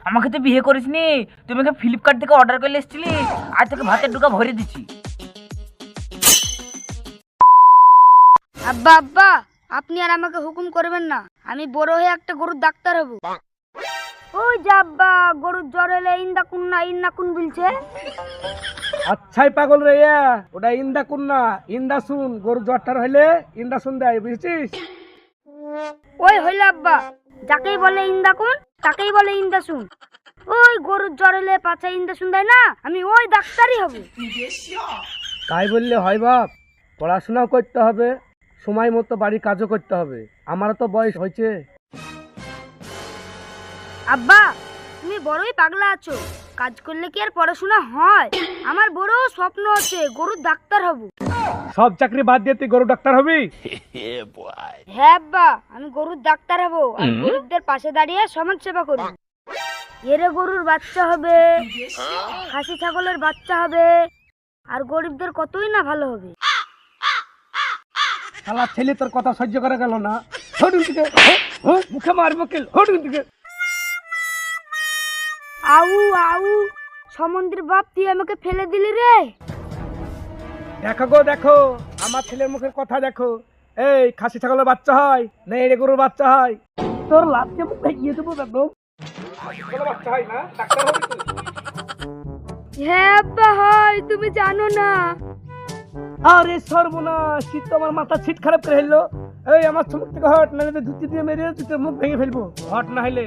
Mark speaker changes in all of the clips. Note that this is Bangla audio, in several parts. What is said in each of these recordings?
Speaker 1: আমাকে তো বিয়ে করিসনি, তুমি আমাকে ফ্লিপকার্ট থেকে অর্ডার করে এসেছিলি, আজ থেকে ভাতের ডুকা ভরে দিচ্ছি।
Speaker 2: আব্বা আব্বা, আপনি আর আমাকে হুকুম করবেন না, আমি বড় হয়ে একটা গরুর ডাক্তার হব। ওই যে আব্বা, গরুর জ্বর হলে ইন্দা কুন বলছে।
Speaker 3: আচ্ছাই পাগল রে, ওটা ইন্দা কুন না, ইন্দা শুন। গরু জ্বরটার হইলে ইন্দা শুন দেয়, বুঝেছিস?
Speaker 2: ওই হইল আব্বা, যাকেই বলে ইন্দা কুন তাকেই বলে ইন্দা শুন। ওই গরুর জ্বর হলে পাছা ইন্দা শুন দেয় না, আমি ওই ডাক্তারই হব।
Speaker 3: তাই বললে হয় বাপ? পড়াশোনাও করতে হবে, সময় মতো বাড়ির কাজও করতে হবে। আমারও তো বয়স হয়েছে।
Speaker 2: আব্বা, তুমি বড়ই পাগলা আছো, কাজ করলে কি আর পড়াশোনা হয়? আমার বড় স্বপ্ন আছে, গরুর ডাক্তার হব।
Speaker 3: সব চাকরি বাদ দিয়ে তুই গরু ডাক্তার হবি?
Speaker 2: হ্যাঁ আব্বা, আমি গরুর ডাক্তার হব আর গরিবদের পাশে দাঁড়িয়ে সমাজ সেবা করব। এরে গরুর বাচ্চা হবে, খাসি ছাগলের বাচ্চা হবে, আর গরিবদের কতই না ভালো হবে।
Speaker 3: শালা ছেলে তোর কথা সহ্য করা গেল না, হট দিকে, মুখে মারবো কেল, হট দিকে।
Speaker 2: আউ আউ, সমুদ্রের বাপ, তুই আমাকে ফেলে দিলি রে।
Speaker 3: দেখো গো দেখো, আমার ছেলের মুখের কথা দেখো। এই খাসি ছাগলের বাচ্চা হয় না এড়ে গরুর বাচ্চা হয়? তোর লাভকে মুখে গিয়ে দেবো একদম। বাচ্চা হয় না, ডাক্তার হবি তুই?
Speaker 2: হ্যাঁ আব্বা হয়, তুমি জানো না।
Speaker 3: আরে সর্বনাশ, শীত তো আমার মাথা ছিট খারাপ করে ফেললো। এই আমার চুমুক থেকে হট, না হলে ধুতি দিয়ে মেরে তুই তোর মুখ ভেঙে ফেলবো। হট না হলে।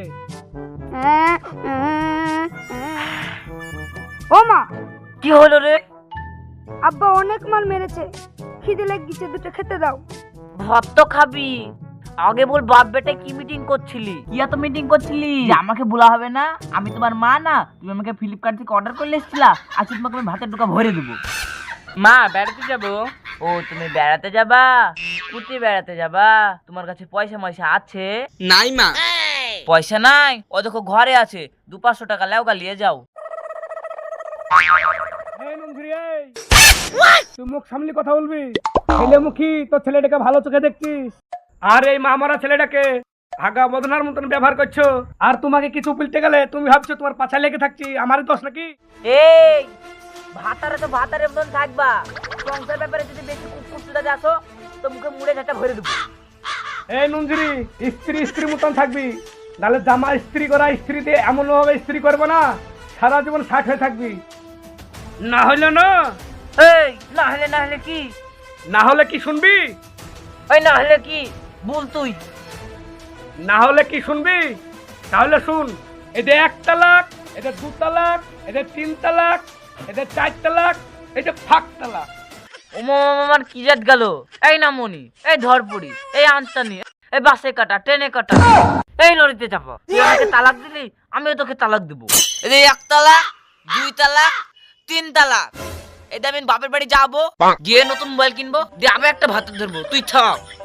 Speaker 2: ও মা,
Speaker 1: কি হলো রে?
Speaker 2: আব্বা অনেক মাল মেরেছে, খিদে লেগেছে, দুটো খেতে দাও।
Speaker 1: ভাত তো খাবি, আগে বল বাপ বেটা কি মিটিং করছিলি? কি এত মিটিং করছিলি? আমাকে বলা হবে না? আমি তোমার মা না? তুমি আমাকে ফ্লিপকার্ট থেকে অর্ডার করে এসেছিলা, আজকে তোমাকে আমি ভাতের ডুকা ভরে দেবো। মা, বেড়াতে যাবো। ও, তুমি বেড়াতে যাবা? কোথায় বেড়াতে যাবা? তোমার কাছে পয়সা ময়সা আছে?
Speaker 4: নাই মা।
Speaker 1: পয়সা নাই? ও দেখো ঘরে আছে, 200-500 টাকা লেও গা নিয়ে যাও।
Speaker 3: এই নন্দুরি, এই তুই মুখ সামনে কথা বলবি। ছেলে মুখী তোর ছেলেটাকে ভালো চোখে দেখছিস, আর এই মা মারা ছেলেটাকে আগা বদনার মতন ব্যবহার করছো। আর তোমাকে কিছু বলতে গেলে তুমি ভাবছো তোমার পাছা লেগে থাকছি, আমারই দোষ নাকি?
Speaker 1: এই ভাতারে তো ভাতারের মতন থাকবা, সংসার ব্যাপারে যদি বেশি কুকুরটা আসো তো মুখে মুড়ে ঝাঁটা ভরে দেবো।
Speaker 3: এই নন্দুরি, স্ত্রী স্ত্রী মতন থাকবি, নাহলে জামা স্ত্রী করা স্ত্রী দিয়ে এমন ভাবে স্ত্রী করবো না, সারা জীবন ষাট হয়ে থাকবি। না হইলে না।
Speaker 1: এই না হলে কি?
Speaker 3: না হলে কি শুনবি?
Speaker 1: ওই না হলে কি বল তুই?
Speaker 3: না হলে কি শুনবি? তাহলে শুন, এদের 1 তালাক, এদের 2 তালাক, এদের 3 তালাক, এদের 4 তালাক, এটা ফাঁক তালাক।
Speaker 1: আমার কি জাত গেল? এই নামনি, এই ধরপুরি, এই আনতানি, এই বাসে কাটা, ট্রেনে কাটা, এই লরিতে চাপা। তুই আমাকে তালাক দিলি, আমিও তোকে তালাক দেবো।
Speaker 4: এই 1 তালাক, 2 তালাক, 3 তালাক। এটা আমি বাপের বাড়ি যাবো, গিয়ে নতুন মোবাইল কিনবো, দিয়ে আবার একটা ভাত ধরবো, তুই থাক।